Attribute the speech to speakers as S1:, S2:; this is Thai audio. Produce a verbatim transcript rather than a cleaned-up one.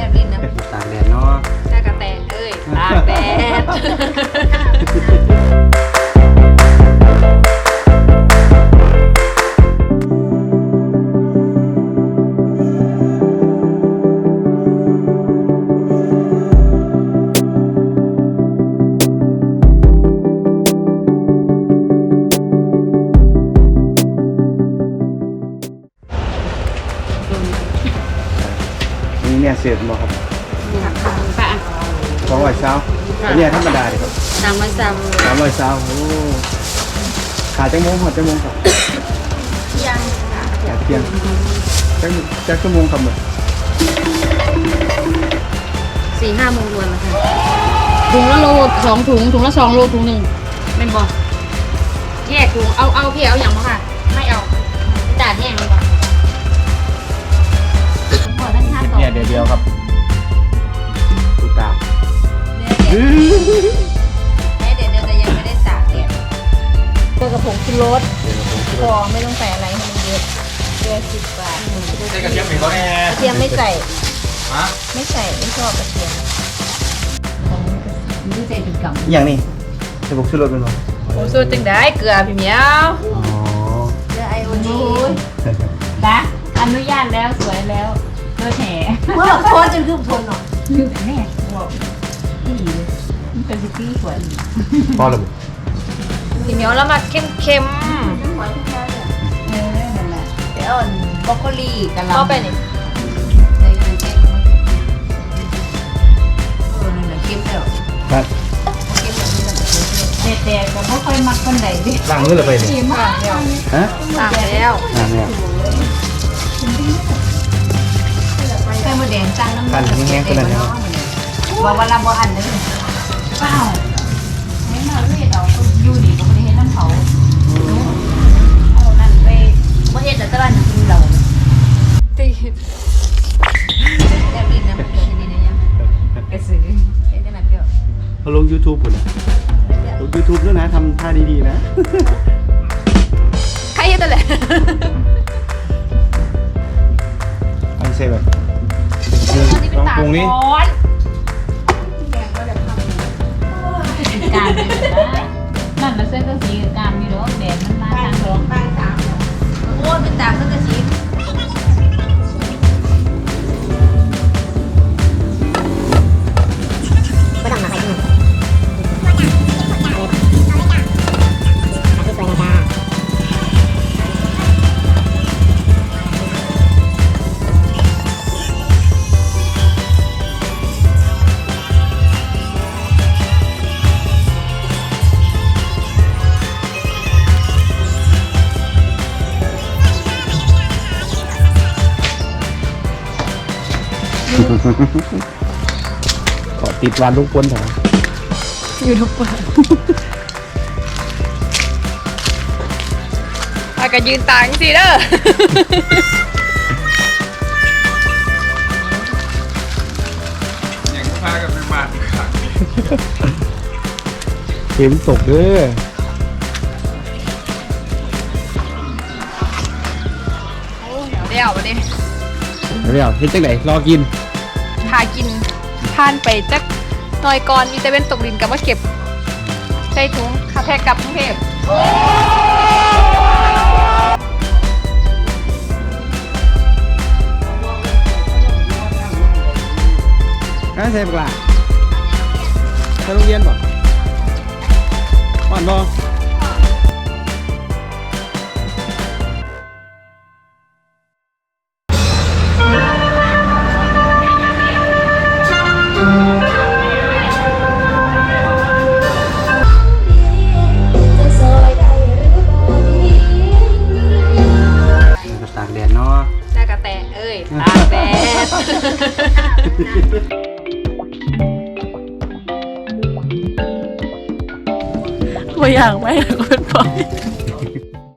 S1: แบบดินนะ
S2: ตากแดดเนาะ
S1: ตากระแตเอ้ยตากแดด
S2: นี่เนี่ยเสียบบ่ครับ
S1: ค่ะ
S2: สองร้อยเช้าอันนี้ธรรมดาเลยครับ
S1: สามร้อยสาม
S2: สามร้อยเช้าโอ้ขายจังโมงหอดจังโมงครับ
S1: เที่ยง
S2: ขายเที่ยงจังจังชั่วโมงครับหมด
S1: สี่ห้าโมงรวนนะคะถุงละโลสองถุงถุงละสองโลถุงหนึ่งเป็นบ่แยกถุงเอาเอาพี่เอาอย่างบ่ค่ะไม่เอาจ่ายแยกเลยบ่
S2: เนี่ยเดียวเดียวครับตูตา
S1: เดี๋ยวเดี๋ยวเดี๋ยวแต่ยังไม่ได้ตากเนี่ยตัวกระผงชูรสพอไม่ต้องใส่อะไรให้มันเยอะเยอะสิบบาท
S3: ใส่กระเทียมอีกแล้วแน่
S1: กระเทียมไม่ใส่
S3: ฮะ
S1: ไม่ใส่ไม่ชอบกระเทียมไม่ใส่ถึงกับ
S2: อย่างนี้จะบุกชูรสเป็นบ่
S1: โอ้สูตรจังได้เกลือพี่เหมียว
S2: อ๋อ
S1: เกลือไอโอดีนะอนุญาตแล้วสวยแล้วเลือแหน่เมื่อโคตรจนคือทนหรอคือแน่บอกที่มันเป็นสิ่งที่สวย
S2: พอแล้ว
S1: พี่เหมียวแล้วมาเข้มเข้มเออนั่นแหละเดี๋ยวบรอกโคลีกันแล้วเข้าไปนี่ในในแกงเออนั่นแหละเข้มแล้ว
S2: ครับ
S1: เด็ดๆแต่ไม่ค่อยมักคนไหนดิ
S2: ล้างมือเลยไปนี่ฮะ
S1: ล้างแล้ว
S2: ล้างแล้ว
S1: ไข่มดแดงจังน้ำ
S2: มันแห้งๆขนาดนี้
S1: ว่าวันละบ่อันเลยเปล่าไม่มาเฮ็ดเอาอยู่นี่ก็ไม่ได้เฮ็ดน้ำเขาเอานั่นไปบ่เฮ็ดแต่ตลาดกินเราตีแบบนี้นะเดี๋ยวทีนี้ยังไปซื้อเฮ็ดได้ไหมเปรี้ยว
S2: เขาลง YouTube พุ่นนะลง YouTube ด้วยนะทำท่าดีๆนะ
S1: ใครเฮ็ดแต่แหละ
S2: อันนี้ใช่แบบลองปรุงนี้
S1: การนั่นมันเส้นก็สีการมีรสแดงมันมาทางสองทางสามโอ้เป็นตาเส้นก็สีก็ดังมาใครที่
S2: ขอติดวันทุกคนเถอะ
S1: ยูทูบเบอร์อาก็ยืนต่างสิเด้อ
S3: ยังพากันไปมาขัง
S2: เข็มตกเด้อ
S1: โอ้เดี๋ยววันนี้
S2: เดี๋ยวเฮ็ดจังไหนรอกิน
S1: พากินผ่านไปจักหน่อยก่อนมีแต่เป็นตกดินกับว่าเก็บใส่ถุงคาแพกลับกรุงเทพ
S2: อ่ะใส่ปลาไปโรงเรียนบ่อ่อนบ่ตากแดดเนาะ
S1: ตากระแตเอ้ยตากแดดตัวอย่างไหมคุณพ่อ